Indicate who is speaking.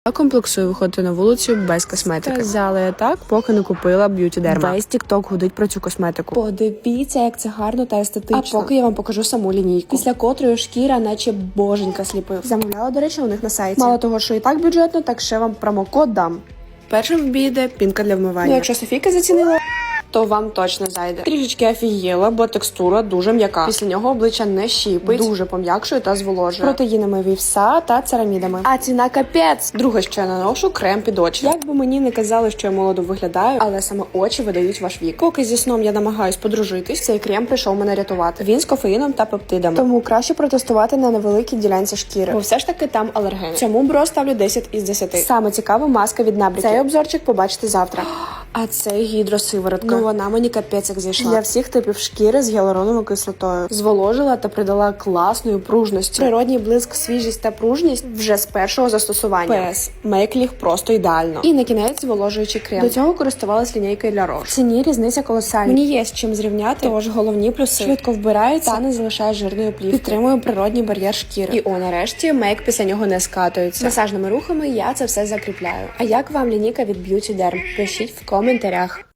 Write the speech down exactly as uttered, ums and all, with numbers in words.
Speaker 1: Я комплексую виходити на вулицю без косметики. Сказала я так, поки не купила Beauty Derma. Весь TikTok гудить про цю косметику. Подивіться, як це гарно та естетично. А поки я вам покажу саму лінійку, після котрої шкіра наче боженька сліпив. Замовляла, до речі, у них на сайті. Мало того, що і так бюджетно, так ще вам промокод дам. Першим вбійде пінка для вмивання. Ну, якщо Софійка зацінила, то вам точно зайде. Трішечки офігіла, бо текстура дуже м'яка. Після нього обличчя не щіпить, дуже пом'якшує та зволожує. Протеїнами вівса та церамідами. А ціна капець! Друге, що я наношу, крем під очі. Як би мені не казали, що я молодо виглядаю, але саме очі видають ваш вік. Поки зі сном я намагаюсь подружитись, цей крем прийшов мене рятувати. Він з кофеїном та пептидами. Тому краще протестувати на невеликій ділянці шкіри, бо все ж таки там алергени. Цьому бро ставлю десять із десяти. Саме цікава маска від набряків. Цей обзорчик побачите завтра. А це гідросиворотка. Ну вона мені капець як зайшла. Для всіх типів шкіри з гіалуроновою кислотою. Зволожила та придала класної пружності. Природній блиск, свіжість та пружність вже з першого застосування. ПС. Мейк ліг просто ідеально. І на кінець зволожуючий крем. До цього користувалась лінійкою для Roche. В ціні різниця колосальна. Мені є з чим зрівняти, тож головні плюси. Швидко вбирається та не залишає жирної плівки. Підтримує природній бар'єр шкіри. І о, нарешті, мейк після нього не скатується. Масажними рухами я це все закріпляю. А як вам лінійка від Beauty Derm? Пишіть в коментарях.